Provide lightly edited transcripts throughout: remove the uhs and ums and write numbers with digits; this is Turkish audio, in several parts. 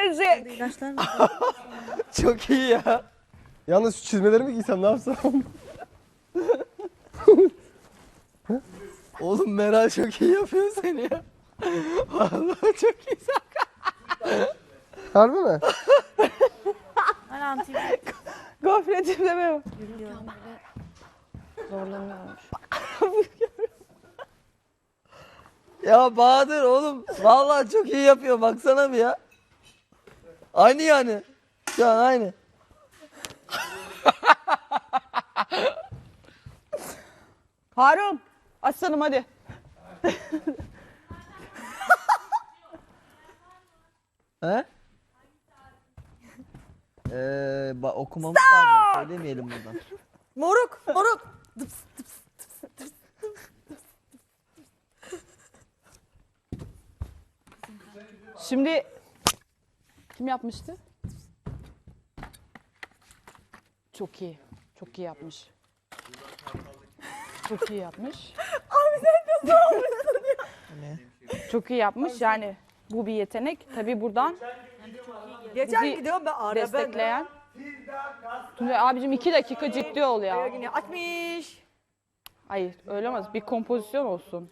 gelecek. İlaçlar mı? Çok iyi ya. Yalnız şu çizmelerimi giysem ne yapsam? Oğlum Meral çok iyi yapıyor seni ya. Vallahi çok iyi. Harbi mi? Hani antibiyotik Gofretim deme o. diyorum böyle zorlanıyormuş. Ya Bahadır oğlum vallahi çok iyi yapıyor baksana bir ya. Aynı yani. Şu an aynı. Harun, aslanım hadi. He? Okumamız lazım. Söylemeyelim buradan. Moruk, moruk. Şimdi kim yapmıştı? Çok iyi. Çok iyi yapmış. Çok iyi yapmış. Abi sen nasıl olmuşsun ya? Çok iyi yapmış. Yani bu bir yetenek. Tabii buradan Geçen bizi gidiyorum ben ara destekleyen. Tuncay abicim 2 dakika ciddi ol ya. Yine açmış. Hayır öyle olmaz. Bir kompozisyon olsun.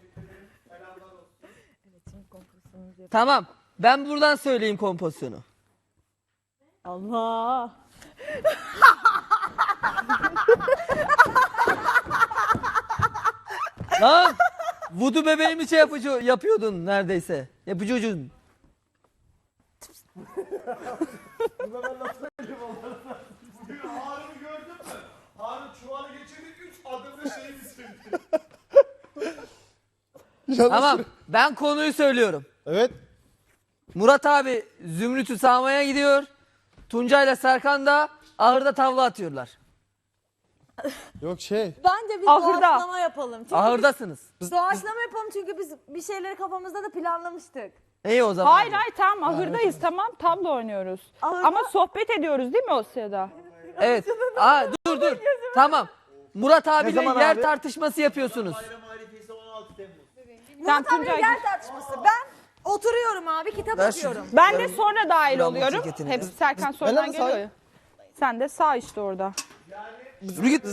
Tamam. Ben buradan söyleyeyim kompozisyonu. Allah. Lan! Vudu bebeğimi şey yapıyordun neredeyse. Yapıcıydın. Harun'u gördün mü? Harun çuvalı geçirdi 3 adımda şeyi bitirdi. Tamam. Ben konuyu söylüyorum. Evet. Murat abi Zümrüt'ü sağmaya gidiyor. Tuncay'la Serkan da ahırda tavla atıyorlar. Yok şey. Bence bir Ahırda. doğaçlama yapalım. Çünkü Ahırdasınız. doğaçlama yapalım çünkü biz bir şeyleri kafamızda da planlamıştık. İyi o zaman. Hayır hayır tamam ahırdayız tamam tabla oynuyoruz. Ahırda- Ama sohbet ediyoruz değil mi o sırada? Evet. Aa, dur. Tamam. Murat abiyle zaman yer abi? tartışması yapıyorsunuz. Bayram harifesi 16 Temmuz. Murat abi Tuncay yer tartışması. Ben oturuyorum abi kitap Ver şu- okuyorum. Ben de sonra dahil Lambo oluyorum. ceketini. Hep Serkan ben sonradan de geliyor sağ- ya. Sen de sağ işte orada. Yürü git.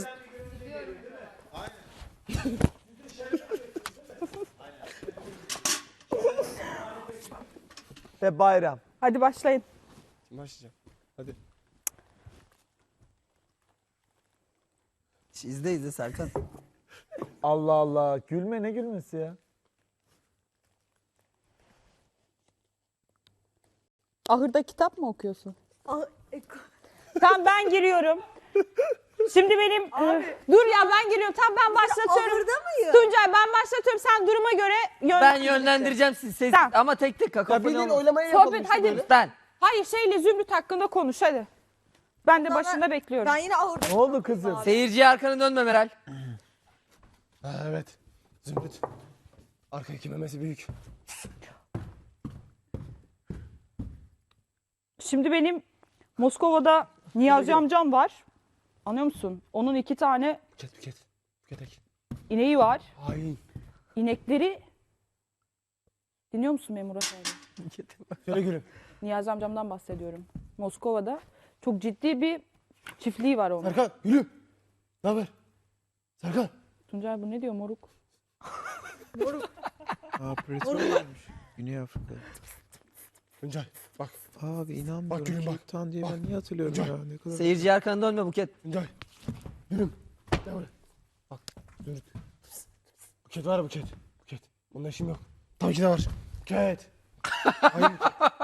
Ve bayram. Hadi başlayın. Başlayacağım. Hadi. İzle Serkan. Allah Allah. Gülme, ne gülmesi ya? Ahırda kitap mı okuyorsun? Ah, Tamam ben giriyorum. Şimdi benim... dur ya ben giriyorum. Tamam ben başlatıyorum. Ahırda mıyım? Tuncay ben başlatıyorum. Sen duruma göre Ben yönlendireceğim sizi. Tamam. Ama tek tek Ya kakafoni bildiğin olmaz. oylamayı yapalım Sohbet işte hadi. böyle. Ben. Hayır şeyle Zümrüt hakkında konuş hadi. Ben de Sana- başında bekliyorum. Ben yine ahırda. Ne oldu kızım? Seyirciye arkanı dönme Meral. Ha, evet. Zümrüt. Arkadaki memesi büyük. Şimdi benim Moskova'da Niyazi amcam var. Anlıyor musun? Onun 2 tane Buket. Buket. ineği var. Hain. İnekleri... Dinliyor musun beni Murat abi? Söyle gülüm. Niyazi amcamdan bahsediyorum. Moskova'da çok ciddi bir çiftliği var onun. Serkan gülüm. Ne haber? Serkan. Tuncay bu ne diyor moruk? Aa petrol varmış. Güney Afrika. Tuncay bak. Abi inanmıyorum. Bak gülüm bak. Cape Town diye Bak. ben niye hatırlıyorum Tuncay. ya? Ne kadar... Seyirciye arkanı dönme Buket. Tuncay. Gülüm. Gel buraya. Bak. Zümrüt. Buket var ya Buket. Buket. Bununla işim yok. Tabii ki de var. Buket. Hayır.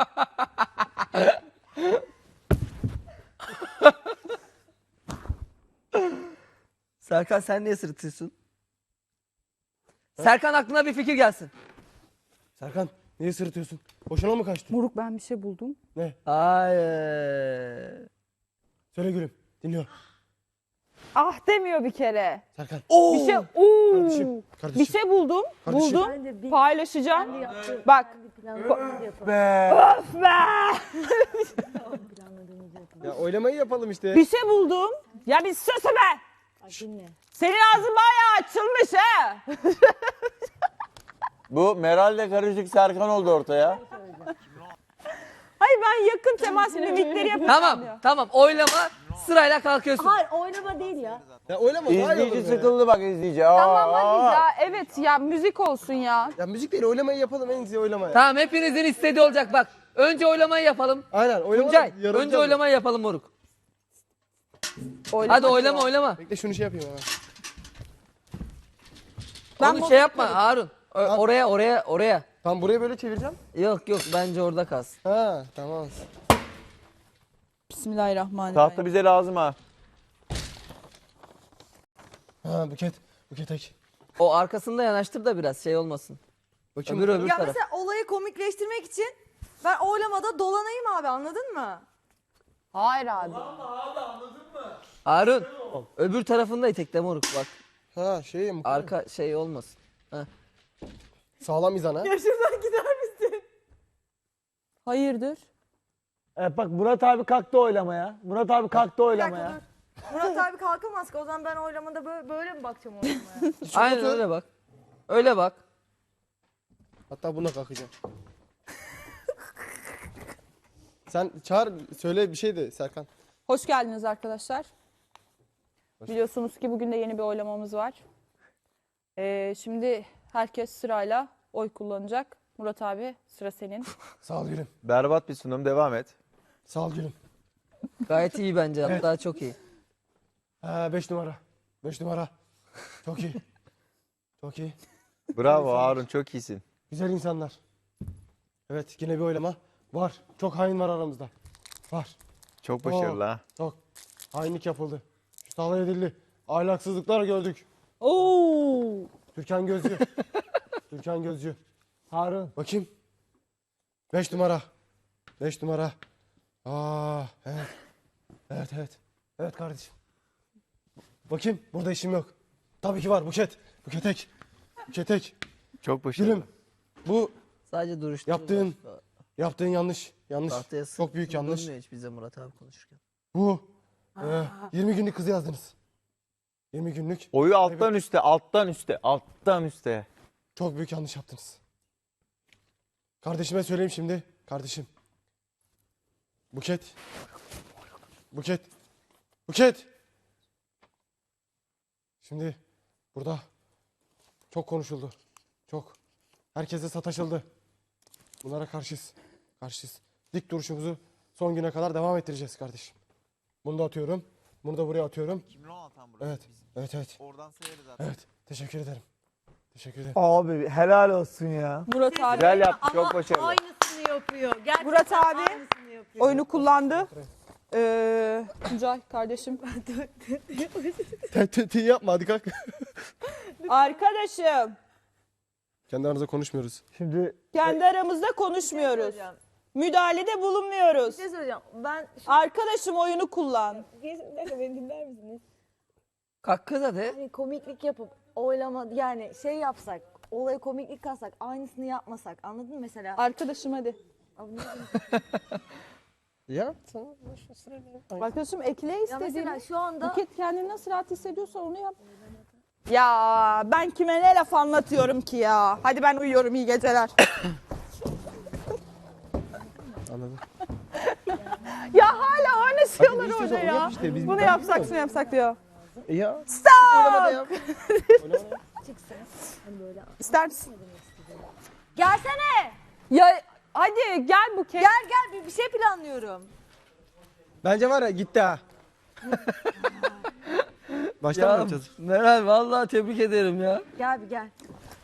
Serkan sen niye sırıtıyorsun? Serkan aklına bir fikir gelsin. Serkan niye sırıtıyorsun? Boşuna mı kaçtın? Moruk ben bir şey buldum. Ne? Hayır. Söyle gülüm. Dinliyorum. Ah demiyor bir kere. Serkan. Bir şey Kardeşim. Kardeşim. Bir şey buldum. Kardeşim. Buldum. Bence bir Paylaşacağım. yaptığım Bak. planlamamızı yapalım. Be. Öf be! Planladığımızı yapalım. Ya oylamayı yapalım işte. Bir şey buldum. Ya bir sus be! Ay, dinle. Senin ağzın bayağı açılmış ha. Bu Meral'le karışık Serkan oldu ortaya. Hayır ben Ben yakın temas mimikleri yapıyorum. Tamam oylama sırayla kalkıyorsun. Hayır oynama değil ya. Ya oynama daha iyi olur İzleyici be. sıkıldı bak izleyici. Tamam hadi ya, evet ya, müzik olsun ya. Ya müzik değil oylamayı yapalım en iyisi oylama ya. Tamam hepinizin istediği olacak bak. Önce oylamayı yapalım. Aynen oylama. Tuncay yarılacağız önce ya. oylamayı yapalım moruk. Oylama Hadi oylama. Bekle şunu şey yapayım hemen. Ben Onu şey yapma Harun. Oraya. Tam burayı böyle çevireceğim. Yok bence orada kalsın. Ha tamam. Bismillahirrahmanirrahim. Tahta bize lazım ha. Ha Buket. Buket ek. O arkasında yanaştır da biraz şey olmasın. Bakayım. Öbür Ya taraf. mesela olayı komikleştirmek için ben oylamada dolanayım abi, anladın mı? Hayır abi. Harun öbür tarafında itekle moruk bak. Ha şey mi? Arka şey olmasın. Sağlam izan ha. Ya şuradan gider misin? Hayırdır? Evet bak Murat abi kalktı oylamaya. Murat abi kalktı Bir oylamaya. dakika dur. Murat abi kalkamaz ki, o zaman ben oylamada böyle mi bakacağım oylamaya? Aynen otur. öyle bak. Öyle bak. Hatta buna kalkacağım. Sen çağır söyle bir şey de Serkan. Hoş geldiniz arkadaşlar. Biliyorsunuz ki bugün de yeni bir oylamamız var. Şimdi herkes sırayla oy kullanacak. Murat abi sıra senin. Sağ ol gülüm. Berbat bir sunum devam et. Sağ ol gülüm. Gayet iyi bence hatta çok iyi. Ha 5 numara. 5 numara. Çok iyi. Çok iyi. Bravo Harun çok iyisin. Güzel insanlar. Evet yine bir oylama. Var. Çok hain var aramızda. Var. Çok başarılı ha. Çok. Hainlik yapıldı. Şu alay edildi. Ahlaksızlıklar gördük. Oo! Türkan Gözcü. Türkan Gözcü. Harun. Bakayım. 5 numara. 5 numara. Aa, evet. Evet, evet. Evet kardeşim. Bakayım. Burada işim yok. Tabii ki var. Buket. Buket ek. Buket ek. Çok başarılı. Gülüm. Bu Sadece duruştu. yaptığın yanlış. Yanlış. Tahtaya Çok büyük yanlış. Dönmüyor hiç bize Murat abi konuşurken. Bu. 20 günlük kızı yazdınız. 20 günlük. Oyu alttan üste, alttan üste, alttan üste. Çok büyük yanlış yaptınız. Kardeşime söyleyeyim şimdi. Kardeşim. Buket. Buket. Buket. Şimdi burada çok konuşuldu. Çok. Herkese sataşıldı. Bunlara karşıyız. Karşıyız. Dik duruşumuzu son güne kadar devam ettireceğiz kardeşim. Bunu da atıyorum. Bunu da buraya atıyorum. Evet. Evet evet. Oradan sayarız zaten. Evet. Teşekkür ederim. Teşekkür ederim. Abi helal olsun ya. Murat abi Güzel yaptı çok başarılı. Aynısını yapıyor. Gerçekten Murat abi aynısını yapıyor. oyunu kullandı. Tuncay kardeşim. T yapma hadi kalk. Arkadaşım, Kendi aranızda konuşmuyoruz. Şimdi kendi aramızda konuşmuyoruz. Söyleyeceğim. Müdahalede bulunmuyoruz. Bir şey söyleyeceğim. Ben Arkadaşım oyunu kullan. bir dakika beni dinler misiniz? Hakkı da de. Hani komiklik yapıp oylama, yani şey yapsak, olaya komiklik katsak, aynısını yapmasak, anladın mı mesela? Arkadaşım hadi. Abi ne bileyim. Ya Arkadaşım ekle Ya istediğini. mesela şu anda Buket kendini nasıl rahat hissediyorsa onu yap. Ya ben kime ne laf anlatıyorum ki ya. Hadi ben uyuyorum, iyi geceler. anladım. Ya hala oynasıyorlar Hadi orada işte, ya. yap işte, biz Bunu bir yapsak şunu yapsak diyor. Ya. Stop! İster misin? gelsene. Ya hadi gel Buket. Gel bir şey planlıyorum. Bence var ya gitti ha. Baştan mı Ya yapacağız? Meral vallahi tebrik ederim ya. Gel bir gel.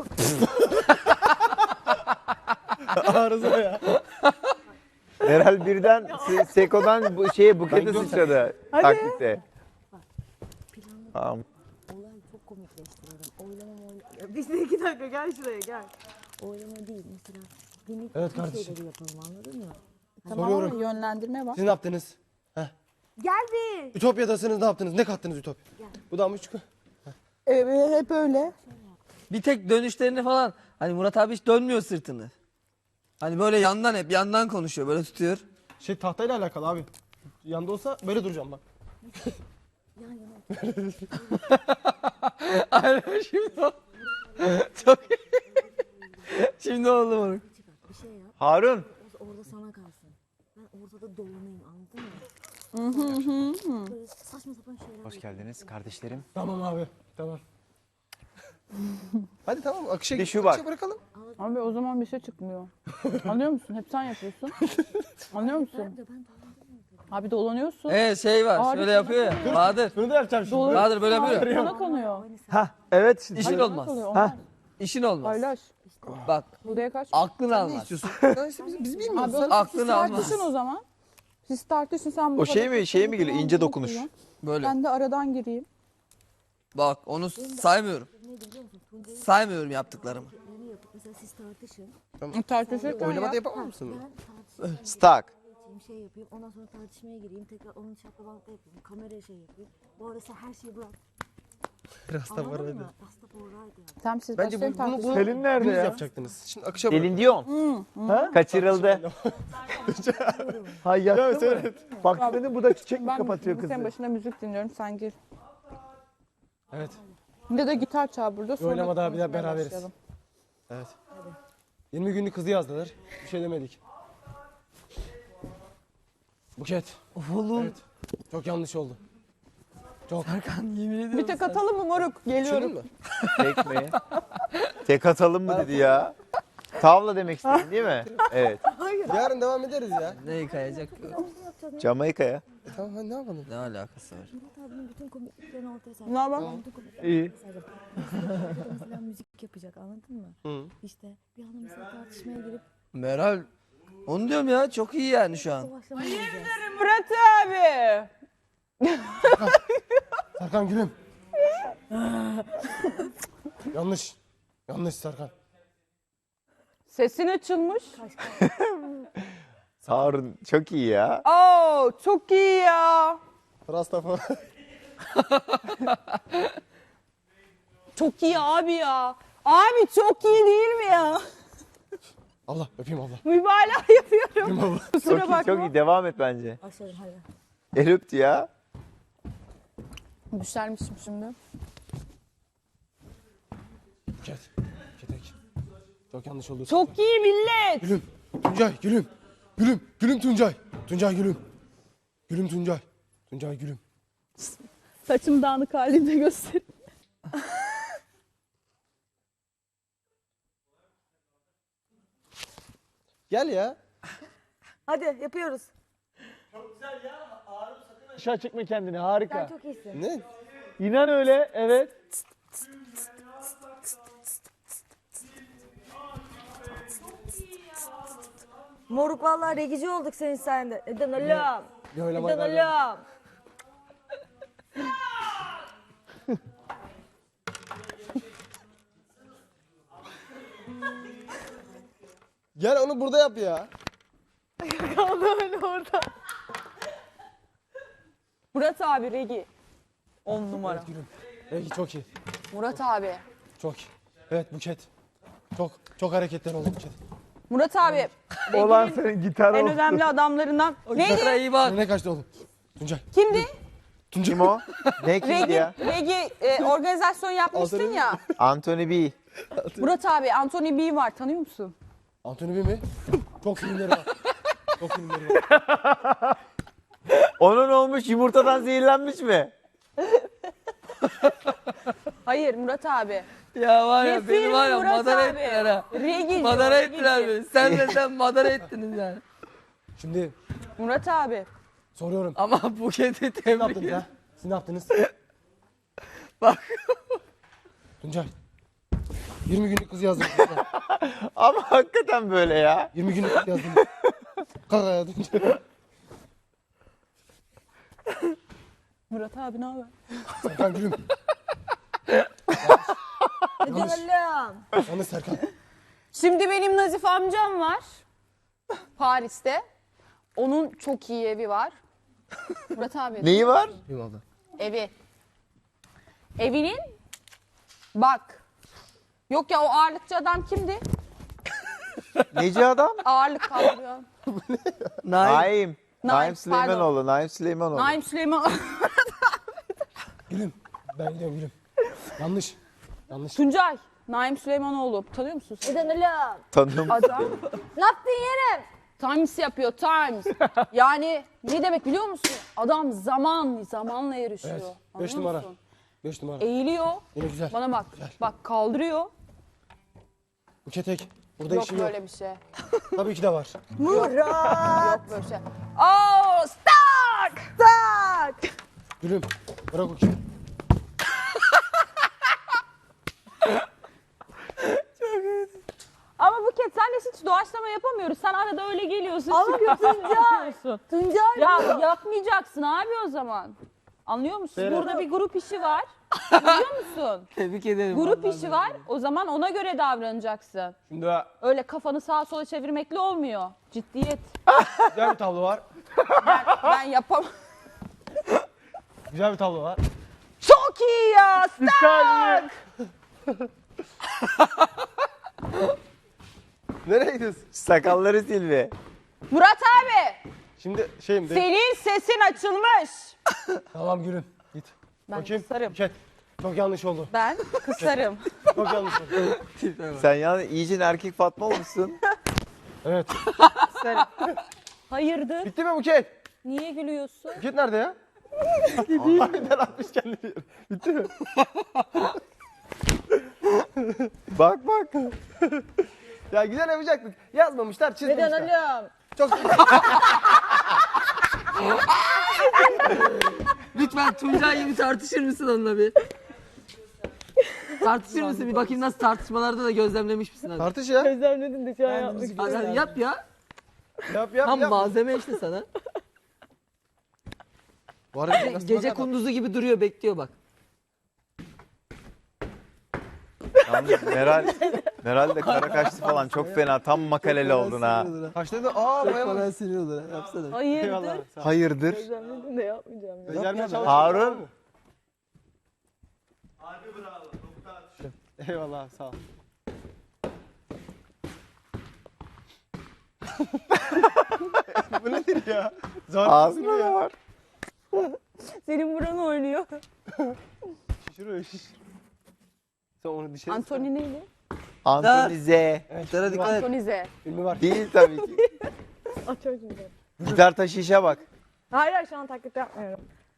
Arıza ya. Meral birden Seko'dan bu şeye bukete sıçradı. Taktikte. Tamam. Olayı çok komikleştirelim. Biz de 2 dakika gel şuraya gel. Oylama değil mesela. Günlük Evet kardeşim. şeyleri yapalım, anladın mı? Tamam Soruyorum. ama yönlendirme var. Siz ne yaptınız? Gel bir. Ütopya'dasınız ne yaptınız? Ne kattınız Ütopya? Bu da mı çıkıyor? Hep öyle. Bir tek dönüşlerini falan. Hani Murat abi hiç dönmüyor sırtını. Hani böyle yandan hep yandan konuşuyor böyle tutuyor. Şey tahtayla alakalı abi. Yanda olsa böyle duracağım bak. Aynen şimdi o. Çok iyi. Şimdi oldu moruk. Bir şey yap. Harun. Orada sana kalsın. Ben ortada dolanayım, anladın mı? Böyle saçma sapan şeyler. Hoş geldiniz kardeşlerim. Tamam abi. Tamam. Hadi tamam akışa, Bir de şu var. akışa bırakalım. Abi o zaman bir şey çıkmıyor. Anlıyor musun? Hep sen yapıyorsun. Anlıyor musun? Abi dolanıyorsun. Şey var. Abi, Şöyle yapıyor ya. Bahadır. Bunu da yapacağım şimdi. Dolanıyorsun. Bahadır böyle yapıyor. Abi sana konuyor. Ha evet şimdi. İşin Sana olmaz. konuyor, Ha. olmaz. İşin olmaz. Paylaş. Bak Buraya kaç. aklını Ne almaz. istiyorsun? Ya işte biz bilmiyoruz. Abi Sen- o zaman siz aklını almaz. tartışın o zaman. Siz tartışın, sen bu O şey kadar mi- şeye mi geliyor? İnce kullan, dokunuş. kullan. Böyle. Ben de aradan gireyim. Bak onu saymıyorum. Ne biliyor musun? Tuncay'ın Saymıyorum yaptıklarımı. hareketlerini yapıp mesela siz tartışın. Tartışırken Oylamada ya. yapamam mısın? Ben tartışmaya Stuck. geçeyim, şey yapayım. Ondan sonra tartışmaya gireyim. Tekrar onun şaklabanlıkta yapayım. Kameraya şey yapayım. Bu arada sen her şeyi bırak. Biraz da var Anladın hadi. mı? Rasta forraydı yani. Tamam siz Bence başlayın bunu tartışın. Selin nerede Dümdüz ya? yapacaktınız. Şimdi akışa bırak. Selin Dion. Ha? Kaçırıldı. Ha yattı mı? Evet. Bak seni bu da çiçek mi Ben kapatıyor senin kızı? başına müzik dinliyorum, sen gir. Evet. Bir de gitar çal burada, sonra Oylamada bir daha konuşmaya beraberiz. başlayalım. Evet. 20 günlük kızı yazdılar. Bir şey demedik. Buket. Oğlum. Evet. Çok yanlış oldu. Çok. Serkan yemin ediyorum. Bir tek atalım mı moruk? Geliyorum. Düşündün mü? Tek mi? Tek atalım mı dedi ya. Tavla demek istedin değil mi? Evet. Yarın devam ederiz ya. Ne kayacak? Jamaika'ya. Tamam hadi ne yapalım? Ne alakası var? Murat abinin bütün komikliklerini ortaya serdim. Ne haber? Bütün komikliklerini İyi. ortaya serdim. Mesela, mesela müzik yapacak, anladın mı? Hı. İşte bir anda mesela tartışmaya girip Meral. Onu diyorum ya çok iyi yani şu an. doğaçlamaya gireceğiz. Murat abi. Serkan gülüm. Yanlış. Yanlış Serkan. Sesin açılmış. Harun çok iyi ya. Oo, çok iyi ya. Rastafa. Çok iyi abi ya. Abi çok iyi değil mi ya? Allah öpeyim abla. Mübalağa yapıyorum. Öpeyim abla. Kusura Çok iyi, bakma. çok iyi. Devam et bence. Başlayalım hadi. El öptü ya. Düşermişim şimdi. Buket. Buket. Çok yanlış oldu. Çok iyi millet. Gülüm. Tuncay gülüm. Gülüm. Gülüm Tuncay. Tuncay gülüm. Gülüm Tuncay. Tuncay gülüm. Saçım dağınık halinde göster. Gel ya. Hadi yapıyoruz. Aşağı çekme kendini harika. Sen çok iyisin. Ne? İnan öyle evet. Moruk vallahi regici olduk senin sayende. Neden oğlum? Bir oylamayı Neden ver. oğlum? Gel onu burada yap ya. Murat abi Regi. 10 numara. Evet gülüm. Peki çok iyi. Murat abi. Çok iyi. Evet Buket. Çok hareketler oldu Buket. Murat abi. Olan senin gitar En o. önemli adamlarından. Neydi? Gitara iyi bak. Ne kaçtı oğlum? Tuncay. Kimdi? Kim o? Ne kimdi Regi, ya? Regi organizasyon yapmıştın ya. Anthony B. Murat abi Anthony B var, tanıyor musun? Antony B mi? Çok filmleri var. Çok filmleri var. Onun olmuş yumurtadan zehirlenmiş mi? Hayır Murat abi. Ya var ya Ne beni filmi var ya Murat madara abi? ettiler ha. Regi. Madara diyor, ettiler Regi. beni. Senle sen madara ettiniz yani. Şimdi Murat abi. soruyorum. Ama Buket'i Ne tebrik yaptınız ederim. ha? Siz ne yaptınız? Bak. Tuncay. 20 günlük kız yazdım. Tuncay. Ama hakikaten böyle ya. 20 günlük kız yazdım. Kalk ayağa Tuncay. Murat abi ne haber? Serkan gülüm. Neden oğlum? Yanlış Serkan. Şimdi benim Nazif amcam var. Paris'te. Onun çok iyi evi var. Murat abi. Neyi var? Öpeyim abla. Evi. Evinin bak. Yok ya o ağırlıkçı adam kimdi? Neci adam? Ağırlık kaldırıyor. Naim. Naim pardon. Süleymanoğlu. Naim Süleymanoğlu. Naim Süleyman. Gülüm. Ben gidiyorum gülüm. Yanlış. Yanlış. Tuncay. Naim Süleymanoğlu. Tanıyor musun sen? Neden oğlum? Tanıyorum. Adam. Ne yaptın yerim? Times yapıyor, Times. Yani ne demek biliyor musun? Adam zamanla yarışıyor. Evet. 5 Anlıyor numara. musun? 5 numara. Eğiliyor. Yine güzel. Bana bak. Bak kaldırıyor. Buket tek. Burada Yok işi yok. böyle bir şey. Tabii ki de var. Yok böyle bir şey. Oh, stuck! Stuck! Gülüm. Bırak o kimi. Ama Buket senle hiç doğaçlama yapamıyoruz. Sen arada öyle geliyorsun. Ama çıkıyorsun, yapıyorsun. Tuncay Ya yapmayacaksın abi o zaman. Anlıyor musun? Burada bir grup işi var. Biliyor musun? Tebrik ederim. Grup vallahi işi var. O zaman ona göre davranacaksın. Şimdi Öyle kafanı sağa sola çevirmekle olmuyor. Ciddiyet. güzel bir tablo var. Ben yapamam. Güzel bir tablo var. Çok iyi ya. Stuck! Nereye gidiyorsun? Sakalları Silvi. Murat abi. Şimdi şeyim de. Senin sesin açılmış. Tamam Gülüm. Git. Ben Bakayım. kısarım. Buket. Çok yanlış oldu. Ben kısarım. Çok yanlış oldu. Sen yani iyice erkek Fatma olmuşsun. Evet. Kısarım. Hayırdır? Bitti mi Buket? Niye gülüyorsun? Buket nerede ya? Harbiden atmış kendini. Bitti mi? Bak bak. Ya güzel yapacaktık. Yazmamışlar, çizmemişler. Neden oğlum? Çok Lütfen Tuncay gibi tartışır mısın onunla bir? Tartışır mısın? Bir bakayım nasıl tartışmalarda da gözlemlemiş misin hadi. tartış ya. Gözlemledin de şu an yapmak Hadi, hadi yap ya. Yap Tam yap. malzeme işte sana. Bu arada nasıl Gece bakar? kunduzu gibi duruyor bekliyor bak. Yalnız Meral de kara kaçtı falan çok fena. Tam makaleli oldun ha. Kaçta da bayağı Bana sinir yapsana. Hayırdır? Eyvallah. Sağ ol. Hayırdır? Gözlemledin de yapmayacağım ya. Becermeye çalış. Harun. Abi bravo. Nokta atışı. Eyvallah sağ ol. Bu nedir ya? Zor Ağzına ne var? Senin buran oynuyor. Şişiriyor şiş. Sen onu dışarı Antoni neydi? Antonize. Tara dikkat et. Antonize. filmi var. Değil tabii ki. Aa, çok güzel. Gitar taşı işe bak. Hayır şu an taklit yapmıyorum.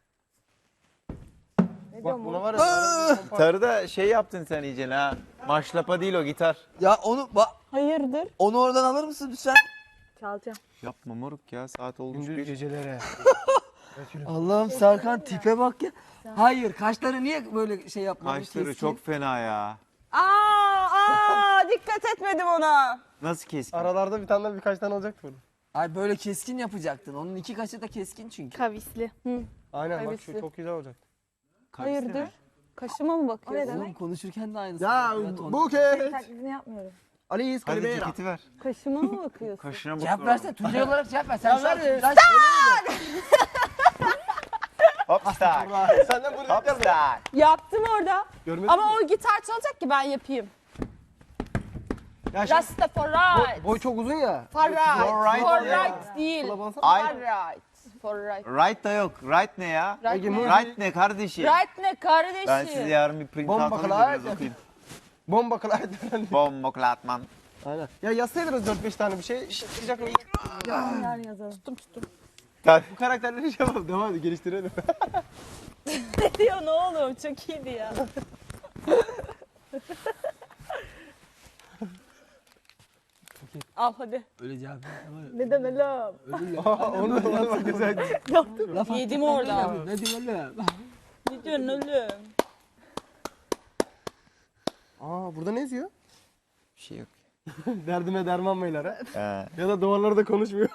Ne Bak diyorum buna bu? var ya. Gitarı da şey yaptın sen iyice ha. Maşlapa değil o gitar. Ya onu Hayırdır? onu oradan alır mısın lütfen? Çalacağım. Yapma moruk ya saat olmuş Gündüz bir. gecelere. Evet Gülüm. Allah'ım Serkan tipe bak ya. Hayır kaşları niye böyle şey yapmadın? Kaşları keskin? çok fena ya. Dikkat etmedim ona. Nasıl keskin? Aralarda bir tane birkaç tane olacaktı burada. Ay böyle keskin yapacaktın. Onun iki kaşı da keskin çünkü. Kavisli. Aynen bak Kavisli. şu çok güzel olacak. Hayırdır? Kaşıma mı bakıyorsun? Oğlum konuşurken de aynısı. Ya Evet, onu- Buket. Taklidini yapmıyorum. Alice Hadi Calibera. ceketi ver. Kaşıma mı bakıyorsun? Kaşına Cevap bak. versene. Tuncay olarak cevap ver. Sen şu an ver. Tuncay Hopstak. Senden bunu beklerdim. Hopstak. Yaptım orada. Görmedin Ama mi? o gitar çalacak ki ben yapayım. Ya şimdi Rastafari. boy çok uzun ya. For right. right For ya. right değil. Kulabansana. Ay. For right. For right. Right da yok. Right ne ya? Right Ege, ne? Murat. Right ne kardeşim? Right ne kardeşim? Ben size yarın bir print Bomba out alayım da klavye. biraz okuyayım. Bomba klavye falan. Bomba klatman. Aynen. Ya yazsaydınız 4-5 tane bir şey. Çıkacak mı? Yarın yazalım. Bu karakterleri şey yapalım. Devam edelim. Geliştirelim. Ne diyor ne oğlum? Çok iyiydi ya. Al hadi. Öyle cevap ver. Neden oğlum? Onu da güzel. Yedim orada. Ne diyorsun oğlum? Ne diyorsun oğlum? Burada ne yazıyor? Bir şey yok. Derdime derman beyler ha. He. Ya da duvarlarda konuşmuyor.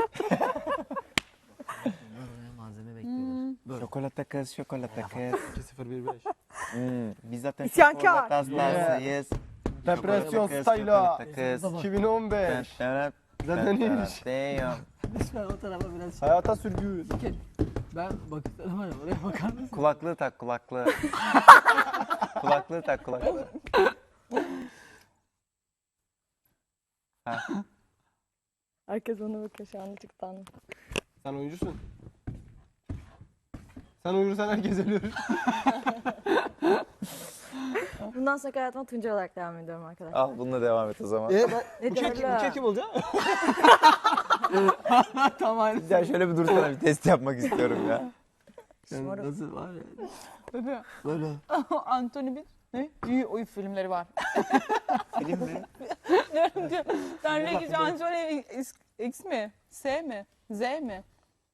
Malzeme bekliyorlar. Şokolata kız, şokolata kız. 2015. Biz zaten İsyankar. şokolata hastasıyız. Depresyon Kız, style'a. şokolata kız. 2015. Zaten iyiymiş. Diyor. Lütfen o tarafa biraz şey. Hayata sürgü. Ben bakıyorum var ya oraya bakar mısın? Kulaklığı tak kulaklığı. Kulaklığı tak kulaklığı. Herkes ona bakıyor şu an çıktan. Sen oyuncusun. Sen uyursan herkes ölür. Bundan sonra hayatıma Tuncay olarak devam ediyorum arkadaşlar. Al bununla devam et o zaman. Ben Ne bu kek diyorlar? kim olacak? Tam aynı. Güzel şöyle bir dursana bir test yapmak istiyorum ya. Nasıl var ya? Böyle. Böyle. Anthony bir ne? İyi oyun filmleri var. Film mi? Diyorum ki sen ne güzel Anthony X mi? S mi? Z mi?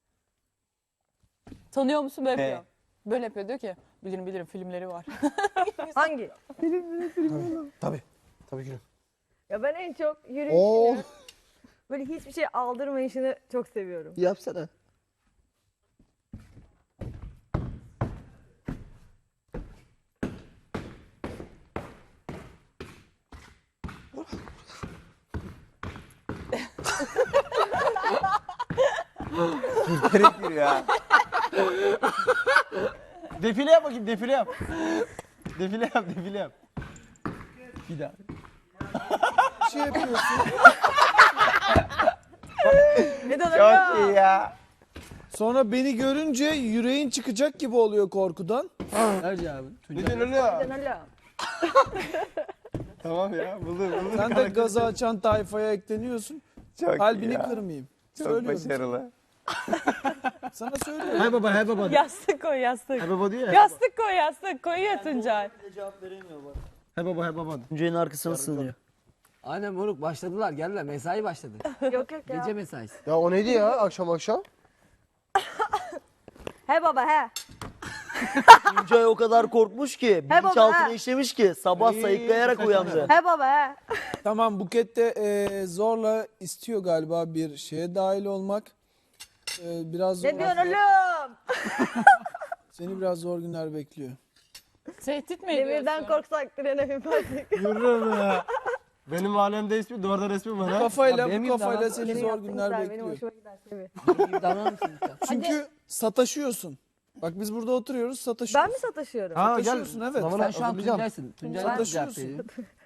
Tanıyor musun böyle He. yapıyor. Böyle yapıyor diyor ki bilirim filmleri var. Hangi? Tabii gülüm. Ya ben en çok Oo. yürüyüşünü, böyle hiçbir şey aldırmayışını çok seviyorum. Yapsana. Ürperek yürü ya. Defile yap bakayım, defile yap. Defile yap. Bir daha. Bir şey yapıyorsun. Çok iyi ya. Sonra beni görünce yüreğin çıkacak gibi oluyor korkudan. Ver cevabı. Ne diyorsun öyle ya? Ben hala. Tamam ya, buldum. Sen de gazı açan tayfaya ekleniyorsun. Çok iyi Kalbini ya. kırmayayım. Çok Söylüyorum. başarılı. Sana söylüyorum. Hay baba. Yastık koy yastık. Hay baba diyor ya. Yastık koy yastık. Koyuyor Tuncay. Hay baba. Tuncay'ın arkasına sığınıyor. Aynen moruk başladılar geldiler mesai başladı. Yok ya. Gece mesaisi. Ya o neydi ya akşam? He baba he. Tuncay o kadar korkmuş ki, baba, bilinçaltına he. işlemiş ki sabah sayıklayarak uyandı. He baba he. Tamam Buket de zorla istiyor galiba bir şeye dahil olmak. Biraz Ne zor. diyorsun oğlum? Seni biraz zor günler bekliyor. Tehdit mi ediyorsun? Demirden korksak trene binmezdik. Yürü be. Benim mahallemde ismi, duvarda resmi var ha. Kafayla benim bu gibi kafayla davran- seni Benim zor yaptığım günler güzel, benim bekliyor. hoşuma gider tabii. Bir davranır mısın lütfen? Çünkü sataşıyorsun. Bak biz burada oturuyoruz, sataşıyoruz. Ben mi sataşıyorum? Ha gel. Sataşıyorsun, evet. Sınavına Sen şu an hazırlayacağım. Tuncay'sın. Tuncay'dan cevap Sataşıyorsun. veriyorsun.